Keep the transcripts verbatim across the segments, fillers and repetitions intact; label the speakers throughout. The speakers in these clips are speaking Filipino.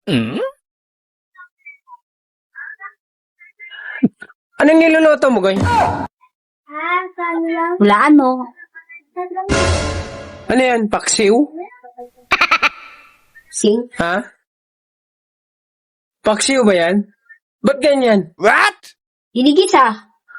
Speaker 1: Hmm? Anong niluluto mo, Goy?
Speaker 2: Hulaan mo.
Speaker 1: Ano yan? Paksiw?
Speaker 2: Sing.
Speaker 1: Ha? Paksiw ba yan? Ba't ganyan? What?
Speaker 2: Hinigis ah.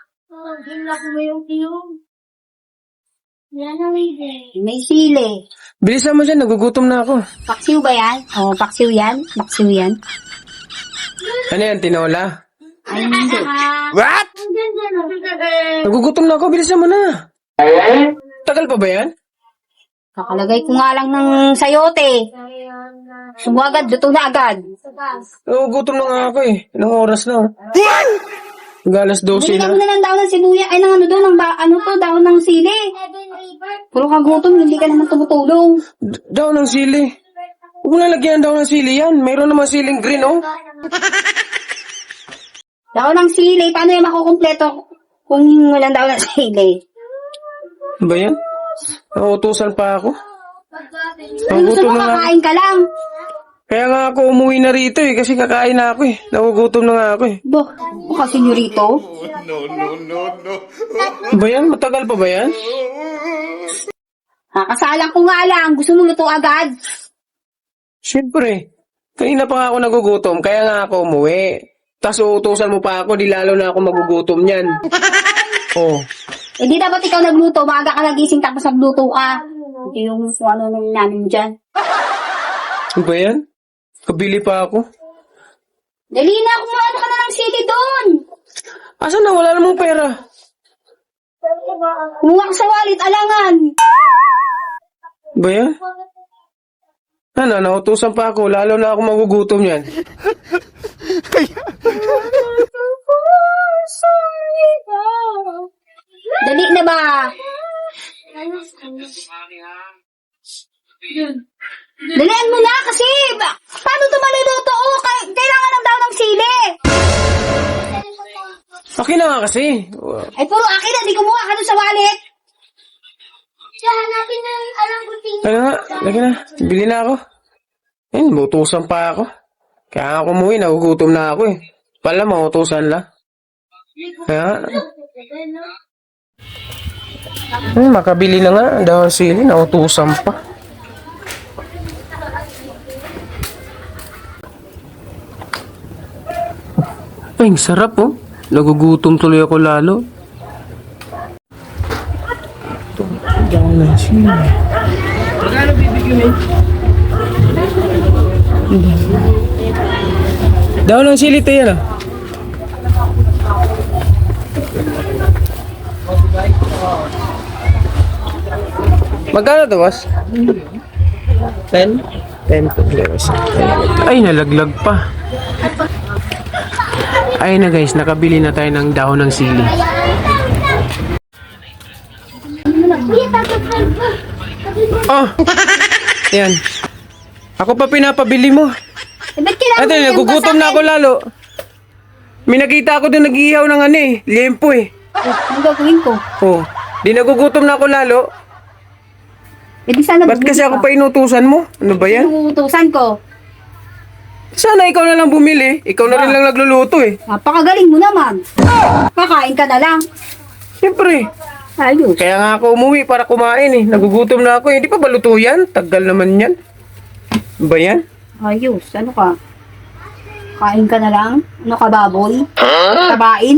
Speaker 2: May sili.
Speaker 1: Bilisan mo dyan, nagugutom na ako.
Speaker 2: Paksiw ba yan? Oo, paksiw yan. Paksiw yan.
Speaker 1: Ano yan, tinola?
Speaker 2: Ay, hindi.
Speaker 1: What? Nagugutom na ako, bilisan mo na. Tagal pa ba yan?
Speaker 2: Kakalagay ko nga lang ng sayote. Sumo agad, luto na agad.
Speaker 1: Nagugutom na nga ako eh. Ilang oras na. Galas dose
Speaker 2: Bili ka
Speaker 1: na.
Speaker 2: muna ng daon ng sibuya. Ay, ng ano doon, ng ba, ano to, daon ng sili. Puro ka gutom, hindi ka naman tumutulong.
Speaker 1: D- daw ng sili. Huwag mo nalagyan daw ng sili yan. Mayroon naman siling green, oh.
Speaker 2: Daon ng sili, paano yung makukumpleto kung walang daon ng sili?
Speaker 1: Ano ba yan? Nauutusan pa ako.
Speaker 2: Kung gusto
Speaker 1: Nagugutom
Speaker 2: mo,
Speaker 1: na nga.
Speaker 2: kakain ka lang.
Speaker 1: Kaya nga ako umuwi na rito eh. Kasi kakain na ako eh. Nagugutom na nga ako eh.
Speaker 2: Bo, baka senyorito.
Speaker 1: Ano ba yan? Matagal pa ba yan?
Speaker 2: Kakasalang ko nga lang, gusto mo luto agad.
Speaker 1: Siyempre. Kanina pa nga ako nagugutom. Kaya nga ako umuwi. Tapos uutusan mo pa ako. Di lalo na ako magugutom yan. Oh.
Speaker 2: Eh di dapat ikaw nagluto, maaga ka nagising tapos nagluto ka. Hindi yung kung ano nung namin dyan.
Speaker 1: Ano ba yan? Kabili pa ako.
Speaker 2: Dali na, kumuha ka na ng sili doon.
Speaker 1: Asan na? Wala namang pera.
Speaker 2: Kumuha ka sa wallet, alangan.
Speaker 1: Ano ba yan? Ano, nautusan pa ako. Lalo na ako magugutom yan.
Speaker 2: Dali na ba? Dalian mo na kasi, ba- paano ito maluluto? Oh, kay- kailangan lang daw ng sili.
Speaker 1: Akin na nga kasi.
Speaker 2: Ay, puro akin na, di kumuha ka doon sa wallet.
Speaker 1: Ano nga? Lagi na. Bili na ako. Ayun, mautusan pa ako. Kaya ako umuwi, nagugutom na ako eh. Pala, mautusan lang. Kaya Hmm, makabili na nga. Dahil sili, nautusan pa. Ay, ang sarap oh. Nagugutom tuloy ako lalo. Ito, dahil ng sili. Magkano bibigyan mo? Dahil ng sili tayo na. Magkano to, boss? ten? ten to eleven. Ay, nalaglag pa. Ay na guys, nakabili na tayo ng dahon ng sili. Oh! Yan. Ako pa pinapabili mo.
Speaker 2: Eh, ba't kailangan
Speaker 1: Ate,
Speaker 2: mo yung
Speaker 1: nagugutom na ako lalo. May nakita ako doon nag-iihaw ng ano eh, liempo eh.
Speaker 2: Eh, anong gagawin ko?
Speaker 1: Oh, di nagugutom na ako lalo.
Speaker 2: Eh, di sana
Speaker 1: Ba't kasi ako pa inutusan mo? Ano ba yan?
Speaker 2: Inuutusan ko.
Speaker 1: Sana ikaw na lang bumili. Ikaw na rin lang nagluluto eh.
Speaker 2: Napakagaling mo naman. Kakain ka na lang.
Speaker 1: Siyempre.
Speaker 2: Ayos.
Speaker 1: Kaya nga ako umuwi para kumain eh. Nagugutom na ako eh. Di pa ba luto yan? Tagal naman yan. Ano ba yan?
Speaker 2: Ayos. Ano ka? Kain ka na lang? Ano ka, baboy? Tabain?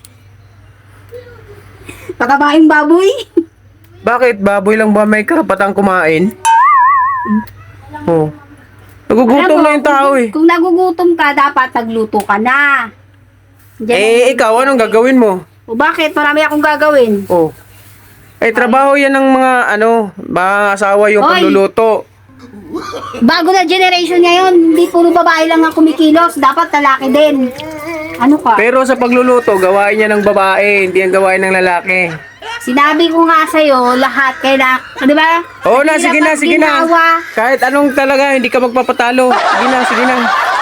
Speaker 2: Patabain baboy?
Speaker 1: Bakit? Baboy lang ba may karapatang kumain? Oh. Nagugutom
Speaker 2: Alam mo,
Speaker 1: na yung tao eh.
Speaker 2: Kung nagugutom ka, dapat nagluto ka na. Diyan
Speaker 1: Eh, ikaw, anong gagawin mo?
Speaker 2: O bakit? Marami akong gagawin.
Speaker 1: Oh. Eh, trabaho yan ng mga, ano, mga asawa yung
Speaker 2: Hoy!
Speaker 1: pagluluto.
Speaker 2: Bago na generation ngayon, hindi puro babae lang ang kumikilos. Dapat lalaki din. Ano ka?
Speaker 1: Pero sa pagluluto, gawain niya ng babae, hindi ang gawain ng lalaki.
Speaker 2: Sinabi ko nga sa'yo, lahat kailangan, di ba?
Speaker 1: Oo na, sige na, sige na.
Speaker 2: Ginawa.
Speaker 1: Kahit anong talaga, hindi ka magpapatalo. Sige na, sige na.